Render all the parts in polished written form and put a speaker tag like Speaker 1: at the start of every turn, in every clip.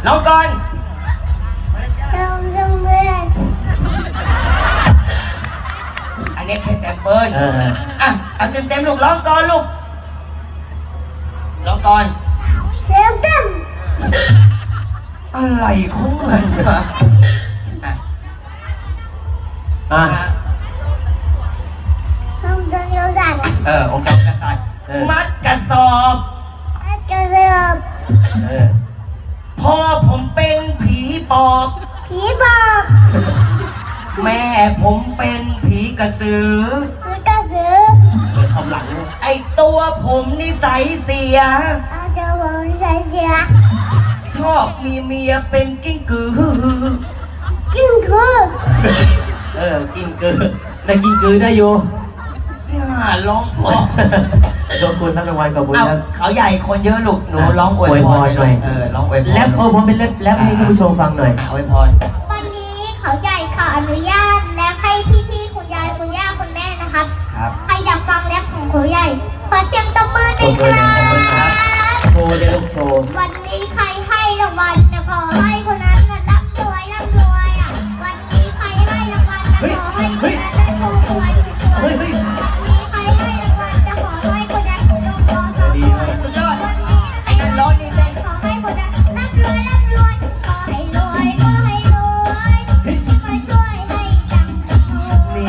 Speaker 1: ร้องก่อนอันนี้แค่แซมเปิลอ่ะเอาเต็มๆลูกร้องก่อนลูกร้องก่อนเซมเต็มอะไรของมันวะองค์การกษัตริย์มัดกระสอบพ่อผมเป็นผีปอบแม่ผมเป็นผีกระสือทำหลังไอตัวผมนิสัยเสียชอบมีเมียเป็นกิ้งกือกิ้งกือ
Speaker 2: ได้กิ้งกือได้อยู่
Speaker 1: ร้องพอ
Speaker 2: โดนคุณทั้งรางวัลกับบุญครับ
Speaker 1: เขาใหญ่คนเยอะลูกหนูร้องอวยพรหน่อยร้องอวยพร
Speaker 2: แรปผมเป็นแรปให้ท่านผู้ชมฟังหน่อย
Speaker 1: อวยพร
Speaker 3: วันนี้เขาใหญ่ขออนุญาตและให้พี่ๆคุณยายคุณย่าคุณแม่นะครับใครอยากฟังแรปของเขาใหญ่ขอเสียงตบมือหน่อยครับ
Speaker 2: โชว์เดี๋ยวลูกโชว์
Speaker 3: วันนี้ใครให้รางวัลจะขอให้คนนั้นร่ำรวยอ่ะวันนี้ใครให้รางวัลจะขอให้คนนั้นร่ำรวยวันนี้ใครให้รางวัลจะขอให้คนนั้นร่ำรวย
Speaker 1: สุดยอดไอ้นั่นร้องนี่เต้น
Speaker 3: ขอให้คนนั้นร่ำรวยขอให้รวยขอให้รวยขอช่วยให้ดังนี่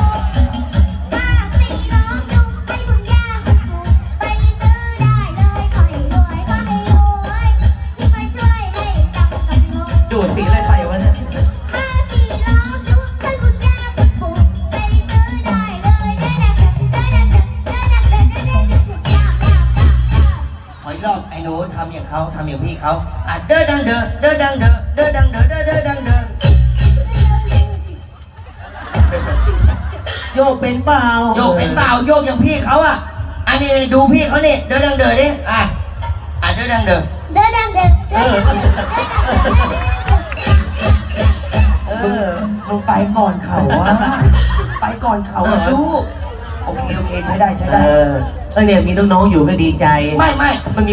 Speaker 3: 4 ล้อจุกให้คุณย่าคุณปู่ไปซื้อได้เลยขอให้รวยขอให้รวยขอช่วยให้ดังกันหมด
Speaker 2: ดูดสีอะไรใส่วะเนี่ย
Speaker 3: 4 ล้อจุกให้คุณย่าคุณปู่ไปซื้อได้เลย
Speaker 1: ขออีกรอบไอ้หนูทำอย่างเขาทำอย่างพี่เขาเด้อดังเด้อเด้อดังเด้อเด้อดังเด้อเด้อเด้อดังเด้อ
Speaker 2: โยกเป็นเปล่า
Speaker 1: โยกเป็นเปล่าโยกอย่างพี่เขาอันนี้ดูพี่เขาเนี่ยเด้อดังเด้อดิเด้อดังเด้อมึงไปก่อนเขาไปก่อนเขาลูกโอเคใช้ได้
Speaker 2: เนี่ยมีน้องๆอยู่ก็ดีใจ
Speaker 1: ไม่
Speaker 2: มันมี